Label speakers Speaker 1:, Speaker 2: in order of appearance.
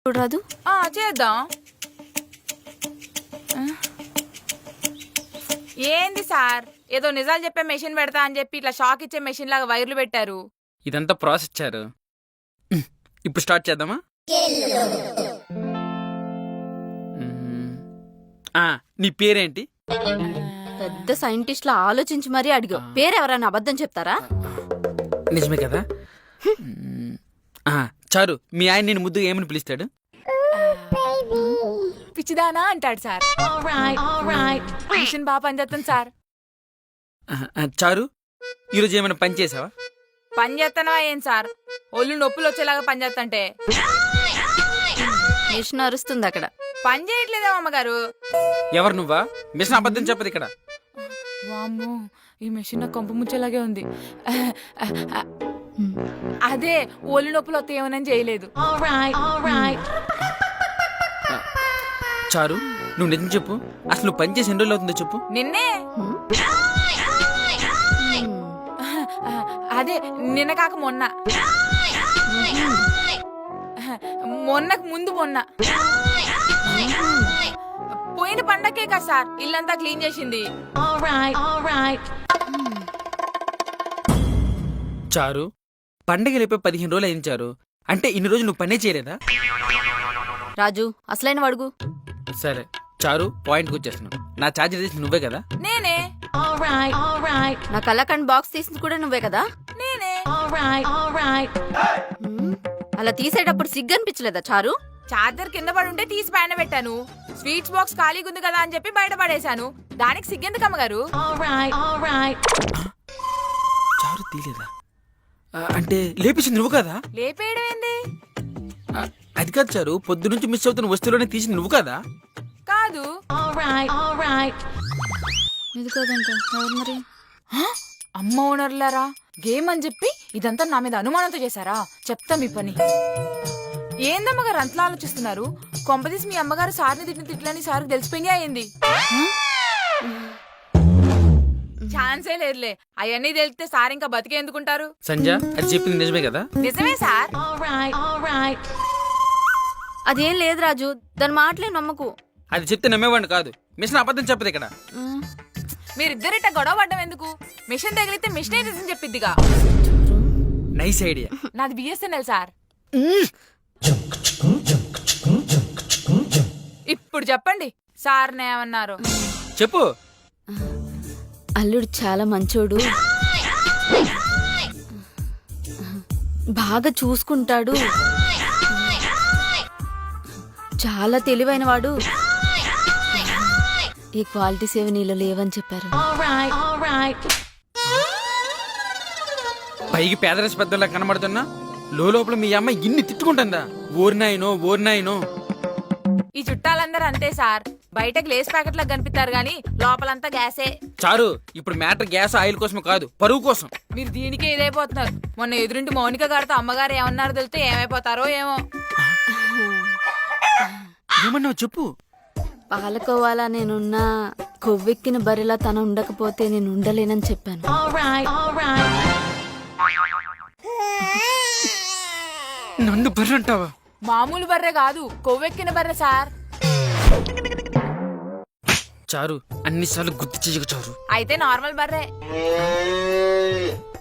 Speaker 1: చూడరాదు.
Speaker 2: చేద్దాం. ఏంది సార్, ఏదో నిజాలు చెప్పే మెషిన్ పెడతా అని చెప్పి ఇట్లా షాక్ ఇచ్చే మెషిన్ లాగా వైర్లు పెట్టారు.
Speaker 3: ఇదంతా ప్రాసెస్ ఇచ్చారు. ఇప్పుడు స్టార్ట్ చేద్దామా? నీ పేరేంటి?
Speaker 1: పెద్ద సైంటిస్ట్ లా ఆలోచించి మరీ అడిగా. పేరెవరైనా అబద్ధం చెప్తారా?
Speaker 3: నిజమే కదా. చారు, మీ ఆయన నేను ముద్దుగా ఏమని పిలుస్తాడు?
Speaker 2: పిచ్చిదానా అంటాడు సార్. మిషన్ బాగా పనిచేస్తాను సార్.
Speaker 3: చారు, ఈరోజు ఏమైనా పని చేసావా?
Speaker 2: పని చేస్తానా ఏం సార్, ఒళ్ళు నొప్పులు వచ్చేలాగా పని చేస్తంటే.
Speaker 1: మిషన్ అరుస్తుంది అక్కడ.
Speaker 2: పని చేయట్లేదా అమ్మగారు?
Speaker 3: ఎవరు నువ్వా? మిషన్ అబద్ధం చెప్పదు ఇక్కడ.
Speaker 2: వామ్మో, ఈ మెషిన్ నాకు కొంప ముచ్చేలాగే ఉంది. అదే ఒళ్ళు నొప్పులు వస్తాయేమోనని చేయలేదు.
Speaker 3: చారు, నువ్వు నిజం చెప్పు. అసలు నువ్వు పని చేసి ఎన్ని రోజులు అవుతుందో చెప్పు.
Speaker 2: నిన్నే. అదే నిన్న కాక మొన్న. మొన్నకు ముందు మొన్న. పోయిన పండక్కే కదా సార్ ఇల్లంతా క్లీన్ చేసింది.
Speaker 3: చారు, పండగ లేపే 15 రోజులు అయింది చారు. అంటే ఇన్ని రోజులు నువ్వు పనే చేయలేదా?
Speaker 1: రాజు, అసలైన వడుగు.
Speaker 3: సరే చారు, పాయింట్కి వచ్చేస్తున్నావు. నా ఛార్జర్ తీసి నువ్వే కదా?
Speaker 2: నేనే.
Speaker 1: నా కళ్ళకండ్ బాక్స్ తీసింది కూడా నువ్వే కదా?
Speaker 2: నేనే.
Speaker 1: అలా తీసేటప్పుడు సిగ్గు అనిపించలేదా చారు?
Speaker 2: చార్జర్ కింద పడి ఉంటే తీసి పైన పెట్టాను. స్వీట్స్ బాక్స్ ఖాళీగా ఉంది కదా అని చెప్పి బయట పడేశాను. దానికి సిగ్గెందుకు అమ్మగారు?
Speaker 3: చారు తీలేదా? అంటే లేపేసింది నువ్వు కదా?
Speaker 2: లేపేయడం ఏంది?
Speaker 3: అది కాదు చారు, పొద్దు నుంచి మిస్ అవుతున్న వస్తువులోనే తీసింది నువ్వు కదా?
Speaker 2: కాదు.
Speaker 1: ఇది కాదంట. ఎవరు మరి?
Speaker 2: అమ్మ ఓనర్లారా, గేమ్ అని చెప్పి ఇదంతా నా మీద అనుమానంతో చేశారా? చెప్తా మీ పని. ఏందమ్మగారు అంతలా ఆలోచిస్తున్నారు? కొంపదీసి మీ అమ్మగారు సార్ని తిట్టిన తిట్లని సార్కి తెలిసిపోయినా అయింది. ఛాన్సే లేదులే. అవన్నీ తెలిస్తే సార్ ఇంకా బతికే ఎందుకుంటారు?
Speaker 3: సంజయ్, అది చెప్పింది నిజమే కదా?
Speaker 2: నిజమే సార్.
Speaker 1: అదేం లేదు రాజు, దాని మాటలే నమ్మకు.
Speaker 3: అది చెప్తే నమ్మేవాడిని కాదు. మిషన్ అబద్ధం చెప్పదు ఇక్కడ.
Speaker 2: మీరిద్దరిట గొడవ పడ్డం ఎందుకు? మిషన్ తగిలితే మిషనే రీజన్ చెప్పిద్దిగా.
Speaker 3: Nice idea.
Speaker 2: నాది బిఎస్ఎన్ఎల్ సార్. ఇప్పుడు చెప్పండి సార్ ఏమన్నారు?
Speaker 3: చెప్పు.
Speaker 1: అల్లుడు చాలా మంచోడు, బాగా చూసుకుంటాడు, చాలా తెలివైన వాడు. ఈ క్వాలిటీస్ ఏవి నీలో లేవని చెప్పారు.
Speaker 3: పైకి పేదరసి పెద్దలా కనబడుతున్నా లోపల మీ అమ్మ ఇన్ని తిట్టుకుంటుందా? ఓర్నాయినో.
Speaker 2: ఈ చుట్టాలందరూ అంతే సార్. బయట గ్లేస్ ప్యాకెట్ లా కనిపిస్తారు గానీ లోపలంతా గ్యాసే.
Speaker 3: చారు, ఇప్పుడు మ్యాటర్ గ్యాస్ ఆయిల్ కోసం కాదు, పరువు కోసం.
Speaker 2: మీరు దీనికే ఇదైపోతున్నారు. మొన్న ఎదురింటి మౌనిక గారితో అమ్మగారు ఏమన్నారో తెలితే ఏమైపోతారో ఏమో.
Speaker 3: ఏమన్నావు చెప్పు.
Speaker 1: పాలకోవాలా నేనున్నా, కొవ్వెక్కిన బరిలా తను ఉండకపోతే నేను ఉండలేనని చెప్పాను.
Speaker 3: నన్ను బర్రె అంటావా?
Speaker 2: మామూలు బర్రె కాదు, కొవ్వెక్కిన బర్రె సార్.
Speaker 3: చారు, అన్నిసార్లు గుర్తు చేయకు చారు.
Speaker 2: అయితే నార్మల్ బర్రె.